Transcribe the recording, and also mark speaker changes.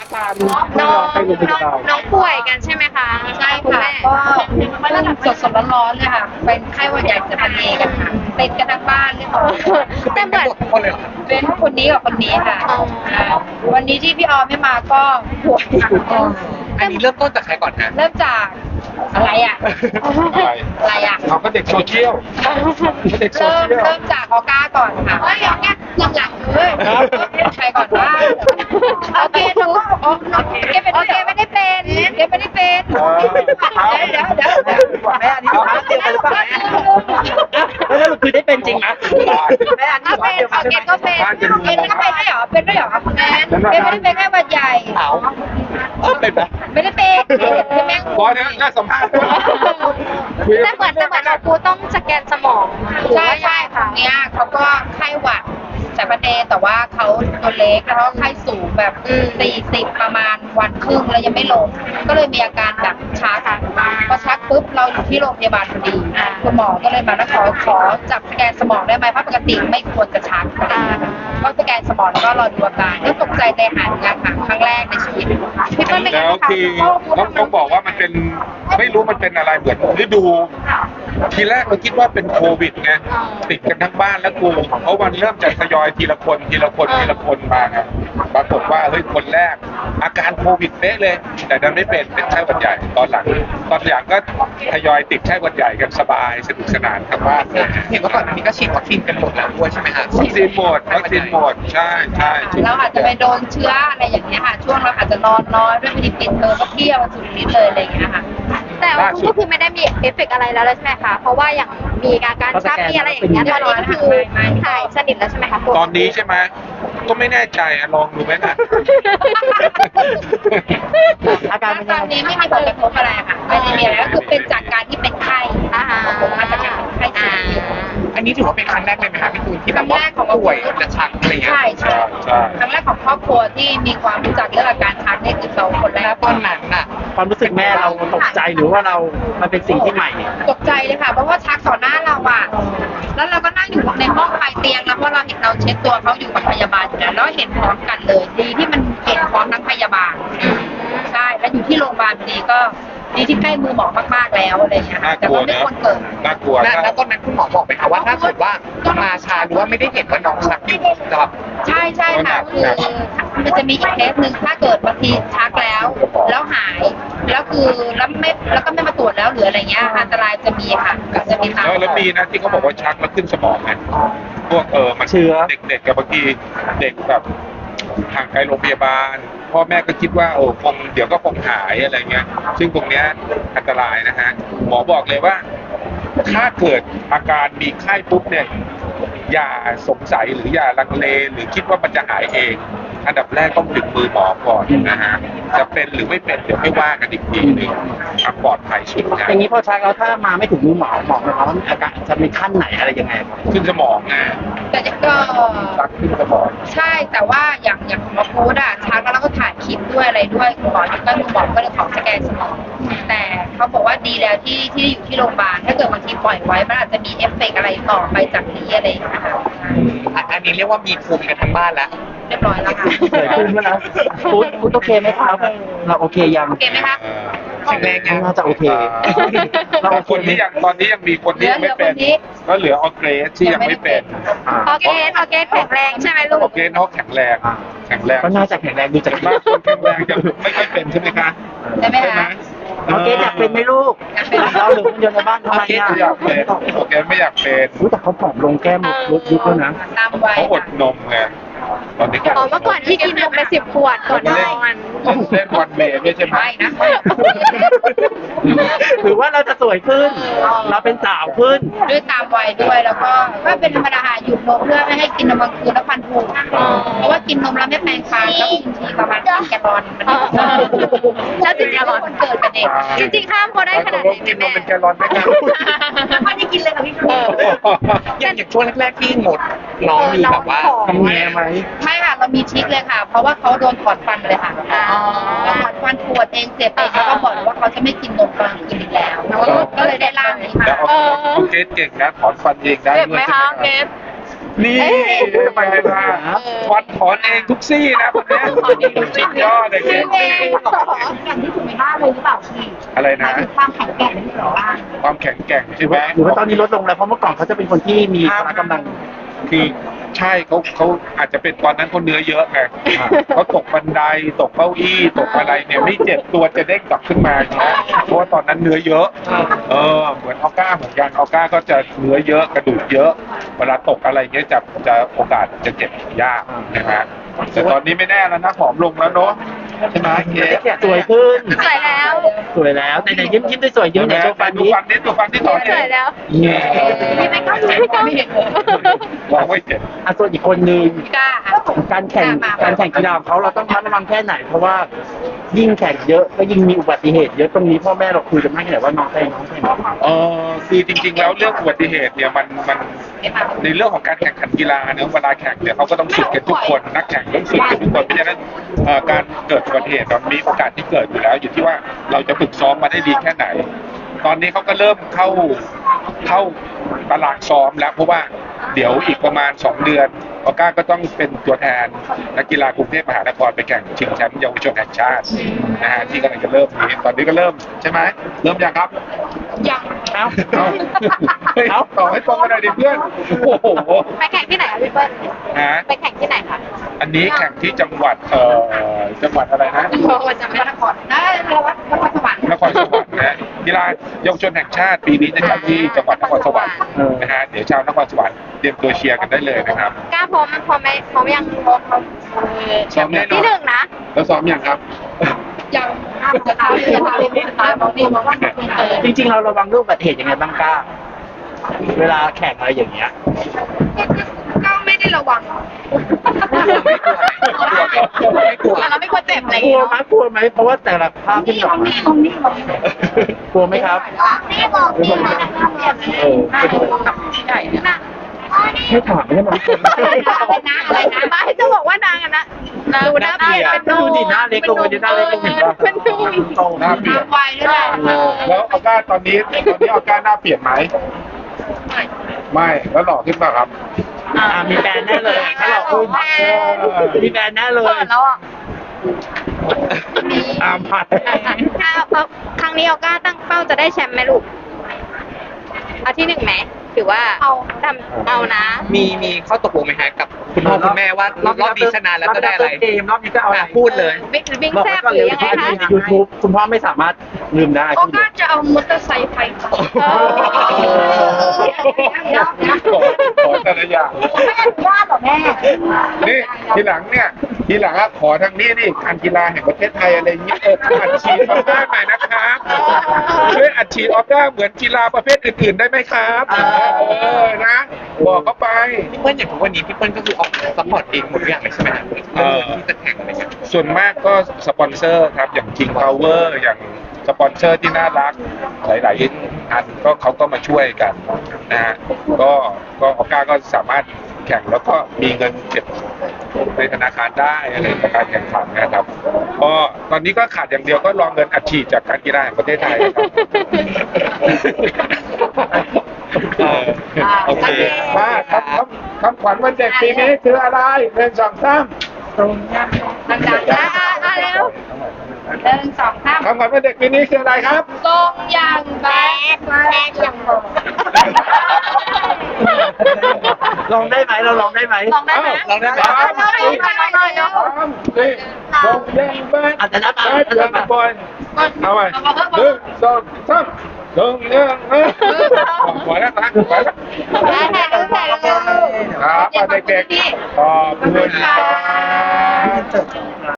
Speaker 1: พา
Speaker 2: น้อง
Speaker 1: ไปโรงพยาบาล
Speaker 2: น้องป่วยกันใช่ไหมคะ
Speaker 3: ใช่
Speaker 2: คุณ
Speaker 3: ค่ะ
Speaker 2: แม่
Speaker 3: ก็สดร้อนๆเลยค่ะ เป็นไข้หวัดใหญ่สายพันธุ์เอกันค่ะติดกันทั้งบ้านเลยค่ะ
Speaker 2: แต่เหมือน
Speaker 1: คนเลยเหรอ
Speaker 3: เป็นคนนี้กับคนนี้ค่ะ
Speaker 2: อ๋อ
Speaker 3: วันนี้ที่พี่ออมไม่มาก็ป่วย
Speaker 1: อันนี้เริ่มต้นจากใครก่อนฮะ
Speaker 3: เริ่มจากอะไรอ่ะ อะไรอ่ะ
Speaker 1: เขาก็เด็กโซเชียลเขาเด็กโซ
Speaker 3: เริ่ม
Speaker 1: เชียล
Speaker 3: เริ่มจากออก้าก่อนค่ะเฮ้ยออก้าหลังๆเลย
Speaker 1: ครับ
Speaker 3: ใครก่อนว่าโอเคหนูก็โอเคเป็น
Speaker 2: โอเคไม่ได้เป็น
Speaker 3: เกไม่ได้เป็น เดี๋ยว
Speaker 1: แม่อันนี้มาเตรียมกันหรือเปล่าแม่แล้วคือได้เป็นจริงไหมแม่อันนี้
Speaker 2: เอาเป็นโอเคก็เป็น
Speaker 3: เกก็เป็นด้วยเหรอเป็นด้วยเหรอเกไม่ได้เป็นแค่หวัดใหญ่
Speaker 1: เอาเป็นไหม
Speaker 3: ไม่ได้เป็นคือแม่ง
Speaker 1: บอสน่าสัมภาษณ์
Speaker 2: แต่เหมือนเราครูต้องสแกนสมอง
Speaker 3: ใช่ใช่ค่ะเนี้ยเขาก็ไข้หวัดสายพันธุ์เอแต่ว่าเขาตัวเล็กแล้วก็ไข้สูงแบบ40ประมาณวันครึ่งแล้วยังไม่ลง ก็เลยมีอาการแบบชักพอชักปุ๊บเราอยู่ที่โรงพยาบาลพอดีคุณหมอก็เลยมาแล้วขอจับสแกนสมองได้ไหมเพราะปกติไม่ควรจะชักก็สแกนสมองแล้วก็รอดูอาการก็ตกใจใจหายงานค่ะครั้งแรกในชีวิตพี่เปิ้ลเป็นไง
Speaker 4: แล้ว
Speaker 3: คะ
Speaker 4: คือต้องบอกว่ามันเป็นไม่รู้มันเป็นอะไรเหมือนฤดู ทีแรกเราคิดว่าเป็นโควิดไงติดกันทั้งบ้านแล้วกูเพราะมันเริ่มจากทยอยทีละคนมาไงปรากฏว่าเฮ้ยคนแรก อาการโควิดเป๊ะเลย แต่ดันไม่เป็นไข้หวัดใหญ่ตอนหลังก็ทยอยติดไข้หวัดใหญ่กันสบายสนุกสนานทั้งบ้านเลย
Speaker 1: เห็นว่าก่อนอันนี้ก็ฉีดวัคซีนกันหมดแล้วด้วยใช่ไหมฮะ
Speaker 4: วัคซีนหมดใช่ฉีด
Speaker 3: เราอาจจะไปโดนเชื้ออะไรอย่างเงี้ยค่ะ ช่วงเราอาจจะนอนน้อยด้วยไม่ได้ปิดเทอมก็เที่ยวสุดฤทธิ์เลยอะไรอย่างเงี้ยค่ะ
Speaker 2: แต่ว่าคุณก็คือไม่ได้มีเอฟเฟกต์อะไรแล้วใช่ไหมคะ เพราะว่าอย่างมีอาการชักมีอะไรอย่างเงี้ยตอนนี้ก็คือหายสนิทแล้วใช่ไหมคะ
Speaker 4: ตอนนี้ใช่ไหมก็ไม่แน่ใจอะลองดูไหมนะ
Speaker 1: อาการ
Speaker 3: ตอนนี้ไม่มีผลกระทบอะไรค่ะไม่ได้มีอะไรก็คือเป็นจากการที่เป็นไข้
Speaker 2: อ่าฮะ
Speaker 3: มาจากการเป็นไข้สูง
Speaker 1: อันนี้ถือว่าเป็นครั้งแรกเลยไหมคะพี่ตูนที่
Speaker 3: ค
Speaker 1: แบ
Speaker 3: รั้
Speaker 1: บ
Speaker 3: ง
Speaker 1: ว่า
Speaker 3: แรกของ
Speaker 1: ป่วยและชักอะไรเงี้ย
Speaker 3: ใช่
Speaker 4: ใช่ใช่
Speaker 3: ครั้งแรกของครอบครัวที่มีความรู้จักเรื่องอาการชักนี่คือเราคนแร
Speaker 1: แล้
Speaker 3: ก
Speaker 1: วตอนนั้นน่ะ
Speaker 5: ความรู้สึกแม่เราตกใจหรือว่าเรา มันเป็นสิ่งที่ใหม่
Speaker 3: ตกใจเลยค่ะเพราะว่าชักต่อหน้าเราอ่ะแล้วเราก็นั่งอยู่ในห้องปลายเตียงแล้วเพราะเราเห็นเราเช็ดตัวเขาอยู่กับพยาบาลอยู่แล้วแล้วเห็นพร้อมกันเลยดีที่มันเห็นพร้อมทั้งพยาบาลใช่แล้วอยู่ที่โรงพยาบาลพอดีก็ดีที่ใกล้มือหมอมากๆแล้วอะไรอย่างเงี้ยค่ะ
Speaker 4: น่า
Speaker 3: แต่
Speaker 4: กลัว
Speaker 3: ว่าไม่
Speaker 4: นะ
Speaker 3: ควรเกิด
Speaker 4: น่ากลัว
Speaker 1: แล้วตอนนั้นคุณหมอบอกไหมคะว่าถ้าสมมติว่ามาช้าหรือว่าไม่ได้เห็นว่าน้องชักอยู่จะแบบ
Speaker 3: ใช่ใช่ค่ะคือมันจะมีอีกเคสหนึ่งถ้าเกิดบางทีชักแล้วหายแล้วคือแล้วก็ไม่มาตรวจแล้วหรืออะไรเงี้ยอันตรายจะมีค่ะจะมีตาม
Speaker 4: แล้วมีนะที่เขาบอกว่าชักแล้วขึ้นสมองไงพวกมัน
Speaker 5: เชื้อ
Speaker 4: เด็กๆกับบางทีเด็กแบบห่างไกลโรงพยาบาลพ่อแม่ก็คิดว่าโอ้คงเดี๋ยวก็คงหายอะไรเงี้ย ซึ่งตรงเนี้ยอันตรายนะฮะหมอบอกเลยว่า ถ้าเกิดอาการมีไข้ปุ๊บเนี่ย อย่าสงสัยหรืออย่าลังเลหรือคิดว่ามันจะหายเอง อันดับแรกต้องถึงมือหมอก่อนนะฮะจะเป็นหรือไม่เป็นเดี๋ยวไม่ว่ากันอีกทีหนึงเอาปลอดภัยสุดนะ
Speaker 5: อย่างนี้พอชักแล้วถ้ามาไม่ถึงมือหมอนะครับว่าอาการจะมีขั้นไหนอะไรยังไงครับ
Speaker 4: ขึ้นสมองนะ
Speaker 3: แต่ก็
Speaker 4: ชักขึ้นสมอง
Speaker 3: ใช่แต่ว่าอย่างของหมอพูดอะชักแล้วเราก็ถ่ายคลิปด้วยอะไรด้วยคุณหมอที่ก็คุณหมอก็เลยขอสแกนสมองแต่เขาบอกว่าดีแล้วที่อยู่ที่โรงพยาบาลถ้าเกิดบางทีปล่อยไว้มันอาจจะมีเอฟเฟกต์อะไรต่อไปจากนี้อะไรอย่างเงี้ยค่ะ
Speaker 1: อันนี้เรียกว่ามีภูมิกันทั้งบ้านแล้ว
Speaker 3: เรียบร้อยแล้วค่ะ
Speaker 5: เกิดขึ้นแล้วนะพูดโอเคไหมครับ เราโอเคยัง
Speaker 3: โอเคไหมคะ
Speaker 1: แข็งแรงยัง
Speaker 5: น่าจะโอเค เราโอเค
Speaker 4: คน
Speaker 5: ไหม
Speaker 4: ที่ยังตอนนี้ยังมีคนที่ยังไม่เป็น ก็เหลือออร์เกรสที่ยังไม่เป็น
Speaker 2: โอเคแข็งแรงใช่ไหมลู
Speaker 4: ออก ร์เกรสเขาแข็งแรง
Speaker 5: ก็น่าจะแข็งแรงดูจาก
Speaker 4: บ้านคนแข็งแรงจะไม่ค่อยเป็นใช่ไหมคะ
Speaker 3: ได้ไหมคะ
Speaker 5: โอเคอยากเป็นไหมลูก
Speaker 3: อยากเป็น
Speaker 5: เราหรือคนเดียวในบ้านทำไมอ่ะ
Speaker 4: ไม่อยากเป็นโอเคไม่อยากเป็น
Speaker 5: รู้แต่เขาผอมลงแก้มลดยุบแล้วนะ
Speaker 3: ตามไว้
Speaker 4: เขาอดนมไงตอนนี้
Speaker 2: อ๋อเมื่อก่อนที่กินนมไป10 ขวดก่อนนอน
Speaker 4: เล่นวันเมย์ด้วยใช่ไหม
Speaker 3: ไม่นะ
Speaker 5: หรือว่าเราจะสวยขึ้น เราเป็นสาวขึ้น
Speaker 3: ด้วยตามวัยด้วยแล้วก็เป็นธรรมดาหยุดนมเพื่อไม่ให้กินนมกลางคืนแล้วฟันผุเพราะว่ากินนมแล้วไม่แปรงฟันแล้วกินทีประมาณ1 แกลลอนมัน
Speaker 2: แล้วจริงๆ
Speaker 3: คนเกิดเป็นเด็ก
Speaker 2: จริงๆข้ามเขาได้ขนาดไหน
Speaker 4: กินน
Speaker 2: แม่
Speaker 4: มเป็นแกลลอนไหมครับ
Speaker 3: ไม่ได้กินเลยค่ะพี่ชู
Speaker 1: อย่างช่วงแรกๆที่งดน้องมีแบบว่า
Speaker 5: ทำแง่ไหม
Speaker 3: ไม่ค่ะเรามีทริคเลยค่ะ เพราะว่าเขาโดนถอดฟันเลยค่ะแล้วถอดฟันปวดเองเจ็บเองแล้วก็บอกว่าเขาจะไม่กินนมกลางคืนอีกแล้วก็เลยได้ร่างนี้
Speaker 4: แล้ว
Speaker 3: มา
Speaker 4: เอาเกรสเก่งนะถอนฟันเองได้ด้วยใช่ไหมครับนี่ทำไมไม่ได้ถอนเองทุกซี่นะคนเนี้ยสุดยอดเลยเก่ง
Speaker 2: เอง
Speaker 3: แข่งที่สุดในบ้านเลยหรือเปล่าพี่
Speaker 4: อะไรนะ
Speaker 3: ความแข็งแกร่งที่สุดในบ้าน
Speaker 4: ความแข็งแกร่งใช่ไหม
Speaker 5: หรือว่าตอนนี้ลดลงแล้วเพราะเมื่อก่อนเขาจะเป็นคนที่มีพละกำลัง
Speaker 4: คือใช่เขาอาจจะเป็นตอนนั้นเขาเนื้อเยอะไง
Speaker 5: อ่า
Speaker 4: เขาตกบันไดตกเก้าอี้ตกอะไรเนี่ยไม่เจ็บตัวจะเด้งกลับขึ้นมาอย่างเงี้ยเพราะว่าตอนนั้นเนื้อเยอะเหมือนออก้าเหมือนกันออก้าก็จะเนื้อเยอะกระดูกเยอะ เวลาตกอะไรเงี้ยจะโอกาสจะเจ็บยากนะฮะแต่ตอนนี้ไม่แน่แล้วนะผอมลงแล้วเนาะใช่ไหมเก๋
Speaker 5: สวยขึ้น
Speaker 2: สวยแล้ว
Speaker 5: สวยแล้วแต่ยิ้มได้สวยยิ้ม
Speaker 4: ใช่ไหม
Speaker 5: ในโชว์ฟัน
Speaker 4: ดู
Speaker 5: นี้
Speaker 4: ฟันนี้ดูฟันที่ถอน
Speaker 2: ส
Speaker 4: เอ
Speaker 2: วย
Speaker 4: ง
Speaker 2: แล้ว
Speaker 3: มีไปก็มีก็ไม่เห็นเลย
Speaker 4: วางไว้เจ็บ
Speaker 5: ส่วนอีกคนนึง
Speaker 3: กล้า
Speaker 5: การแข่งกีฬาของเขาเราต้องระมัดระวังแค่ไหน เพราะว่ายิ่งแข่งเยอะก็ยิ่งมีอุบัติเหตุเยอะตรงนี้พ่อแม่เราคุยกันมากแค่ไหนว่าน้องแข่ง
Speaker 4: คือจริงๆแล้วเรื่องอุบัติเหตุเนี่ยมันในเรื่องของการแข่งขันกีฬาเนี่ยเวลาแข่งเนี่ยเขาก็ต้องฝึกกันทุกคนนักแข่งต้องฝึกกันทุกคนเพราะฉะนั้นการเกิดอุบัติเหตุมันมีโอกาสที่เกิดอยู่แล้ว อยู่ที่ว่าเราจะฝึกซ้อมมาได้ดีแค่ไหน ตอนนี้เขาก็เริ่มเข้าตารางซ้อมแล้วเพราะว่าเดี๋ยวอีกประมาณ2 เดือนออก้าก็ต้องเป็นตัวแทนนักกีฬากรุงเทพมหานครไปแข่งชิงแชมป์เยาวชนแห่งชาตินะฮะที่กำลังจะเริ่มนี้ตอนนี้ก็เริ่มใช่ไหมเริ่มยังครับ
Speaker 3: ยัง
Speaker 4: เอาต่อให้ตรงกันหน่อยดิเพื่อนโอ้โห
Speaker 2: ไปแข่งที่ไหนคะพี่เปิ้ล
Speaker 4: ฮะ
Speaker 2: ไปแข่งที่ไหนคะ
Speaker 4: อันนี้แข่งที่จังหวัดจังหวัดอะไรนะ
Speaker 2: โอ้จำไม่
Speaker 3: น
Speaker 2: ได้
Speaker 3: ครได้แล้ววัดนครสวรรค์
Speaker 4: นครสวรรค์นะกีฬาเยาวชนแห่งชาติปีนี้จะจัดที่จังหวัดนครสวรรค์นะฮะเดี๋ยวชาวนครสวรรค์เตรียมตัวเชียร์กันได้เลยนะครับ
Speaker 2: กล้าพร้อมไหมพร้อมยัง
Speaker 4: ซ้อมแน่นอน
Speaker 2: ที่หนึ่งนะ
Speaker 4: แล้วซ้อมยังครับ
Speaker 3: ยังจะทำจะทำไม่ทำบอกนี่บอกว่า
Speaker 5: จริงๆเราระวังเรื่องอุบัติเหตุยังไงบ้างกล้า เวลาแข่งอะไรอย่างเงี้ย
Speaker 3: ก็ไม่ได้ระวัง
Speaker 4: ไม่กลัว
Speaker 3: เราไม่ควรเจ็บอะไร
Speaker 5: กลัวไหมกลัวไหมเพราะว่าแต่ละภาพที่ออกมากลัวไหมครับ
Speaker 2: นี่บอก
Speaker 5: เออ
Speaker 3: ใหญ่เนี่ย
Speaker 2: นะ
Speaker 5: ไม่ถามไม่ใช่ไหม
Speaker 2: อะไรนะบ้าจะบอกว่านางอะนะดูหน้าเปลี่ยนเป็น
Speaker 5: ดูดิหน้าเล็กลงไปดิหน้าเล็กลงเห็นป่ะ
Speaker 2: เป็นดู
Speaker 5: โต
Speaker 4: หน้าเปลี่ยน
Speaker 3: ไวด้วยแหละ
Speaker 4: แล้วออก้าตอนนี้ออก้าหน้าเปลี่ยนไหมไม่แล้วหล่อขึ้นป่ะครับ
Speaker 5: มีแฟนแน่เลยถ้าเราอุ้มมีแฟนแน่เลย
Speaker 2: เปิดแล้วอ่ะ
Speaker 5: ผัด
Speaker 2: ถ้าครั้งนี้ออก้าตั้งเป้าจะได้แชมป์ไหมลูกเอาที่หนึ่งไหมถือว่าเอานะ
Speaker 1: มีข้อตกลงไหมฮะกับคุณพ่อคุณแม่ว่ารอบนี้ชนะแล้วจะได้อะไร
Speaker 5: เกมรอบนี้จะเอาอะไร
Speaker 1: พูดเลย
Speaker 2: วิ่ง
Speaker 5: บอก
Speaker 2: แซ่
Speaker 5: ไว้
Speaker 2: บ
Speaker 5: ก่อน
Speaker 2: ห
Speaker 5: เล
Speaker 2: รื
Speaker 5: ย
Speaker 2: อยังไง
Speaker 5: ว่า
Speaker 2: คะ
Speaker 5: ยูทูบคุณพ่อไม่สามารถลืมได้
Speaker 3: เขาก็จะเอามอเตอร์ไซค์ไปต่อ
Speaker 4: ขอแต่ละอย่าง
Speaker 3: ไม่อนุญาตหรอแม่
Speaker 4: นี่ทีหลังอะขอทางนี้นี่การกีฬาแห่งประเทศไทยอะไรอย่างเงี้ยอัดฉีดออก้าหน่อยนะครับช่วยอัดฉีดออก้าเหมือนกีฬาประเภทอื่นๆได้ไหมครับนะบอกเขาไป
Speaker 1: พี่เปิ้ลอย่างทุกวันนี้พี่เปิ้ลก็คือออกซัพพอร์ตเองหมดทุกอย่างเลยใช่ไหมฮะที่จะแข่งอะไรเงี้ย
Speaker 4: ส่วนมากก็สปอนเซอร์ครับอย่าง King Power อย่างสปอนเซอร์ที่น่ารักหลายๆอันก็เขาก็มาช่วยกันนะฮะก็ออก้าก็สามารถแข่งแล้วก็มีเงินเก็บในธนาคารได้อะไรจากการแข่งขันนะครับก็ตอนนี้ก็ขาดอย่างเดียวก็รอเงินอัดฉีดจากการกีฬาแห่งประเทศไทยครับ
Speaker 1: โอเค
Speaker 4: มาคำขวัญวันเด็กปีนี้คืออะไร1 2 3
Speaker 3: ดังๆนะ
Speaker 2: เร็ว
Speaker 3: 1 2 3
Speaker 4: คำขวัญวันเด็กปีนี้คืออะไรครับ
Speaker 3: ทรงอย่างแบดอย่างโบ
Speaker 5: ลองได้ไหมเราลองได้ไหม
Speaker 2: ลองได้ไหม
Speaker 1: ลองได้ไหม
Speaker 2: ลองได้ไหม
Speaker 4: ลงแรงบ้าน
Speaker 5: อาจจะนับ
Speaker 4: ได้เดือนบ่อยเอาไป1 2 3ลงแรงปล่อยแล้วนะปล่อยแล้ว
Speaker 2: ได้ถ่ายรูปถ่ายรูป
Speaker 4: ครับเด็กๆขอบคุณครับ